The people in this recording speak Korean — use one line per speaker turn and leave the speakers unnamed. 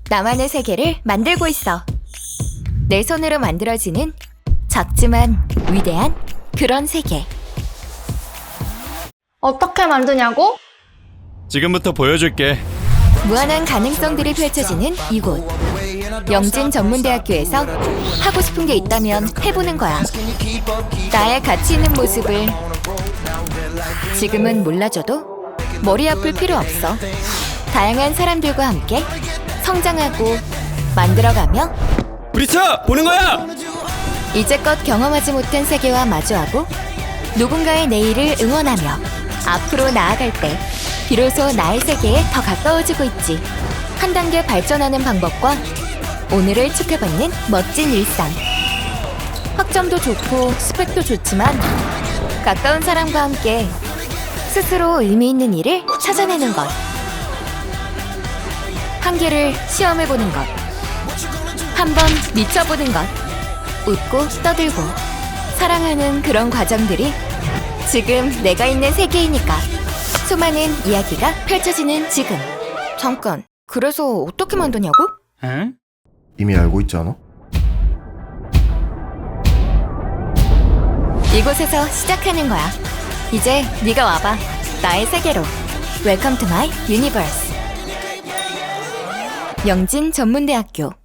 나만의 세계를 만들고 있어. 내 손으로 만들어지는 작지만 위대한 그런 세계.
어떻게 만드냐고?
지금부터 보여줄게.
무한한 가능성들이 펼쳐지는 이곳. 영진전문대학교에서 하고 싶은 게 있다면 해보는 거야. 나의 가치 있는 모습을 지금은 몰라줘도 머리 아플 필요 없어. 다양한 사람들과 함께 성장하고 만들어가며
브리차! 보는 거야!
이제껏 경험하지 못한 세계와 마주하고 누군가의 내일을 응원하며 앞으로 나아갈 때 비로소 나의 세계에 더 가까워지고 있지. 한 단계 발전하는 방법과 오늘을 축하받는 멋진 일상. 학점도 좋고 스펙도 좋지만 가까운 사람과 함께 스스로 의미 있는 일을 찾아내는 것. 한계를 시험해보는 것. 한번 미쳐보는 것. 웃고 떠들고 사랑하는 그런 과정들이 지금 내가 있는 세계이니까. 수많은 이야기가 펼쳐지는 지금. 잠깐, 그래서 어떻게 만드냐고?
응?
이미 알고 있지 않아?
이곳에서 시작하는 거야. 이제 네가 와봐. 나의 세계로. Welcome to my universe. 영진전문대학교.